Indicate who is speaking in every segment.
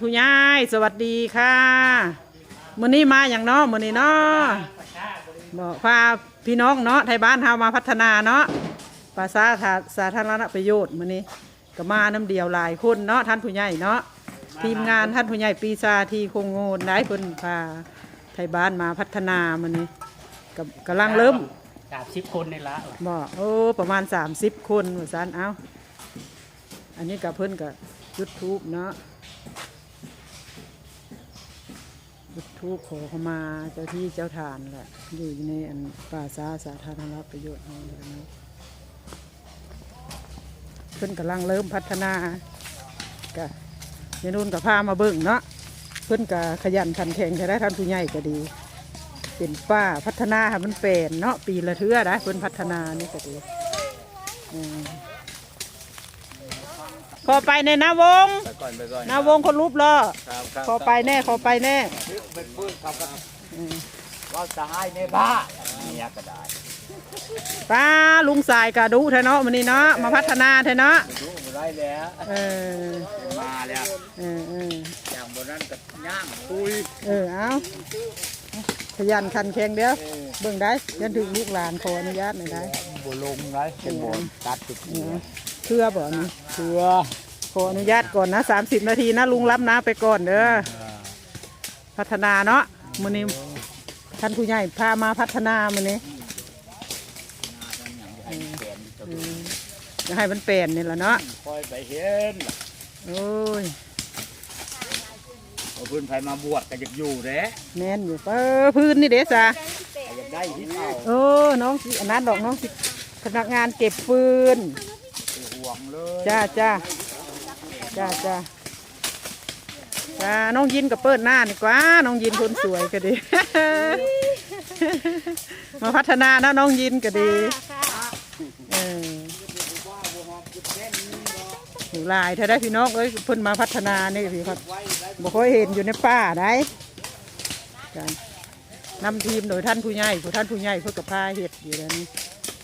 Speaker 1: ผู้ใหญ่สวัสดีค่ะมื้อนี้มาอย่างเนาะมื้อนี้เนาะบอกพาพี่น้องเนาะไทยบ้านเฮามาพัฒนาเนาะภาษาสาธารณประโยชน์มื้อนี้ก็มาน้ำเดียวหลายคนเนาะท่านผู้ใหญ่เนาะทีมงานท่านผู้ใหญ่ปีชาทีคงโงนได้เพิ่นพาไทยบ้านมาพัฒนามื้อนี้กำลังเริ่ม
Speaker 2: 30 คนนี่ละ
Speaker 1: บอกประมาณ30 คนว่าซั่นเอ้าอันนี้กับเพิ่นก็จุดธูปเนาะจุดธูปขอเข้ามาเจ้าที่เจ้าทานแหละอยู่ในอันป่าสาธารณประโยชน์ของเราเนาะเพิ่นกำลังเริ่มพัฒนาก็ยายนุ่นกับพามาเบิ่งเนาะเพิ่นก็ขยันขันแข็งใช้ได้ท่านผู้ใหญ่ก็ดีเป็นป้าพัฒนาให้มันเป็นเนาะปีละเทื่อนะเพิ่นพัฒนานี่ก็ดีขอไปในนาวงนาวงคนรูปรอขอไปแน่ขอไปแน่
Speaker 2: ว่าจะให้ในบ้าเนี่ยก็ได้
Speaker 1: ป้าลุงสายกระดูเถอะเนาะวันนี้เนาะมาพัฒนาเถอะเนาะ
Speaker 2: ดูได้แล้วมาแล้วอย่างบนนั้นก็ย่างปุย
Speaker 1: เอาขยันขันแข็งเดียวเบิ่งได้ยันถึงลูกหลานขออนุญาตหน่อยได้
Speaker 2: บุลงได้เป็นบนตัดจุด
Speaker 1: เชื่อบ่นี่
Speaker 2: เชื่อ
Speaker 1: ขออนุญาตก่อนนะ30 นาทีนะลุงรับนะไปก่อนเด้อพัฒนาเนาะมื้อนี้ท่านผู้ใหญ่พามาพัฒนามื้อนี้จะให้มันเป็นนี่แหละเนาะ
Speaker 2: คอยไปเห็น
Speaker 1: โอ้ย
Speaker 2: เอาพื้นไฟมาบวชก็อยากอยู่เด้
Speaker 1: แน่นอยู่พื้นนี่เด้จ้ะ
Speaker 2: อยากได้ที่เ
Speaker 1: อาน้องอันนั้นดอกน้องพนักงานเก็บฟืน
Speaker 2: ห่วงเลย
Speaker 1: จ้าน้องยินกับเปิดหน้าดีกว่าน้องยินคนสวยก็ดีมาพัฒนานะน้องยินก็ดีหลายถ้าได้พี่น้องเพิ่นมาพัฒนานี่พี่ครับบอกเคยเห็นอยู่ในป่าได้นำทีมโดยท่านผู้ใหญ่เพื่อกับพาเห็ดอยู่แล้วนี่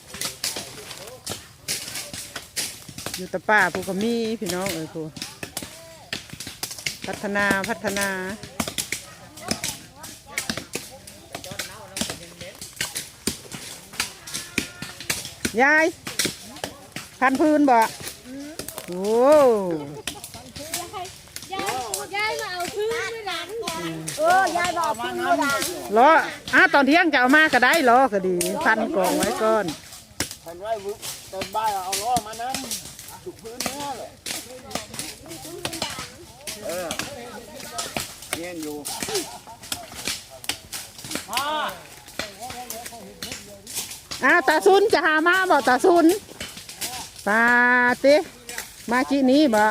Speaker 1: อยู่แต่ป่าผู้ก็มีพี่น้องผู้พัฒนายายพันพื้นบ่โอ้
Speaker 3: ยายมาเอาพื้นไม่หลังยายบอกพื้นไม่หลัง
Speaker 1: รอตอนเที่ยงจะเอามาก็ได้รอก็ดีพันกองไว้ก่อน
Speaker 2: พันไว้เติมบ้านเอาล้อมาน้ำจุกพื้นเนื้อเลยเงี้ยอยู่
Speaker 1: ตาซุนจะหามาบ่ตาซุนปาติมากี่นี้บ่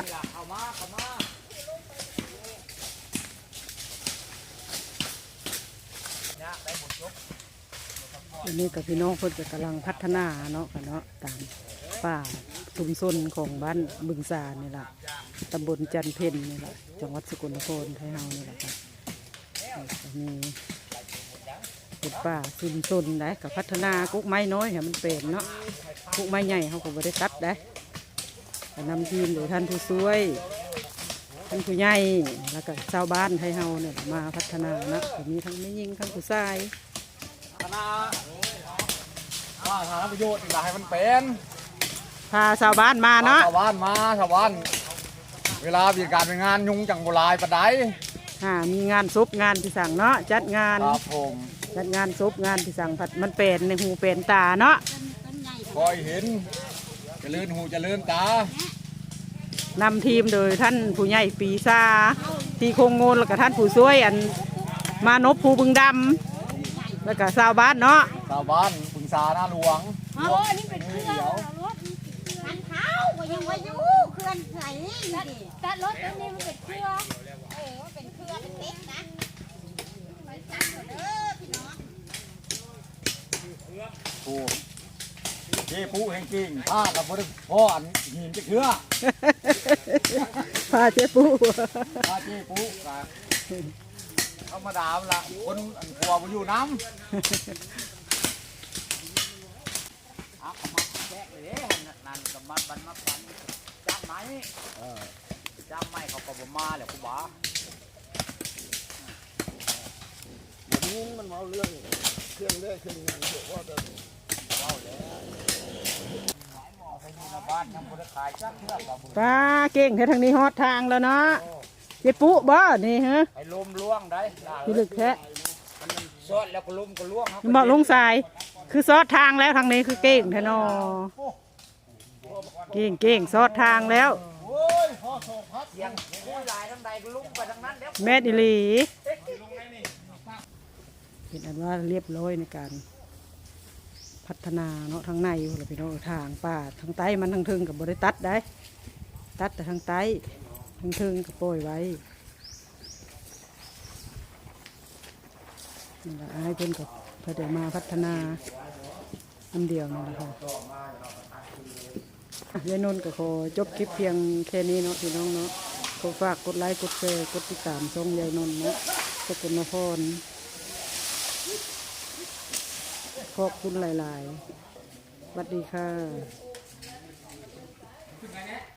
Speaker 1: อันนี้กับพี่น้องเพิ่นกำลังพัฒนาเนาะกันเนาะตามป่าชุมชนของบ้านบึงสานี่แหละตำบลจันเพ็ญนี่แหละจังหวัดสกลนครไทยเฮานี่แหละครับมีเป็นป่าชุมชนได้กับพัฒนากุ๊กไม้น้อยให้มันเป็นเนาะกุ๊กไม้ใหญ่เขาก็บริตัดได้นำทีมโดยท่านผู้ช่วยท่านผู้ใหญ่แล้วก็ชาวบ้านไทยเฮาเนี่ยมาพัฒนานะมีทั้งไม่ยิงทั้งผู้ชาย
Speaker 2: พัฒนาสาธารณประโยชน์อยากให้มันเป็น
Speaker 1: พาชาวบ้านมาเนาะ
Speaker 2: ชาวบ้านเวลามีการเป็นงานยุ่งจังโบราณปะได
Speaker 1: มีงานศพงานที่สั่งเนาะจัดงาน
Speaker 2: ครับผม
Speaker 1: จัดงานศพงานที่สั่งผัดมันเป็นในหูเป็นตาเนาะ
Speaker 2: คอยเห็นจะเลื่อนหูจะเลื่อนต
Speaker 1: านำทีมโดยท่านผู้ใหญ่ปีชาที่คงโงนแล้วก็ท่านผู้ช่วยอันมานพภูบึงดำแล้วก็ชาวบ้านเนาะ
Speaker 2: ชาวบ้านบึงสาหน้าหลวง
Speaker 3: นี่เป็นเครื่องรถคันเท้าก็ยังว่าอยู่เครื่องไหนแต่รถตัวนี้มันเป็นเครื่องเป็นเครื่องเล็กนะ
Speaker 2: เจ๊ปูแห่งจริงผ้ากับบริพ่ออันหินจะเชื่อ
Speaker 1: ผ้าเจ๊ปู
Speaker 2: ธรรมดาละคนอันกลัวมาอยู่น้ำเอามาแจกเลยนั่นกับมันจับไหมจับไหมเขาก็มาแหละคุณบ้า
Speaker 4: าเรื่องเครื่องได้เครื่องงานเดี๋ยวว่าจะ
Speaker 2: บ้านยังบ่ได้ขายจักเทื่อบ่บุญ
Speaker 1: ป้าเก่งแท้ทางนี้ฮอดทางแล้วเนาะเจ๊ปุ๊บ่นี่ฮะ
Speaker 2: ไอ้ลมล่วงได้
Speaker 1: พี่ลึกแท้
Speaker 2: มันซอดแล้วก็ลมก็ล่วงครับ
Speaker 1: บอกลงสายคือซอดทางแล้วทางนี้คือเก่งแท้เนาะเก่งซอดทางแล้ว
Speaker 2: เสียงผู้หลายทั้งใดก็ลุ่มไปทั้งนั้นแล้ว
Speaker 1: แม่ดิลีเห็นอันว่าเรียบร้อยในการพัฒนาเนาะทางในอยู่แล้วพี่น้องทางป่าทางใต้มันทางเทิงกับบริตัดได้ตัดแต่ทางใต้ทางเทิงก็ปล่อยไว้นี่แหละให้เพิ่นกับเพื่อเดี๋ยวมาพัฒนาอันเดียวนี่แหละค่ะยายนนท์ก็ขอจบคลิปเพียงแค่นี้เนาะพี่น้องเนาะขอฝากกดไลค์กดแชร์กดติดตามช่องยายนนท์เนาะสกลนครขอบคุณหลายๆสวัสดีค่ะ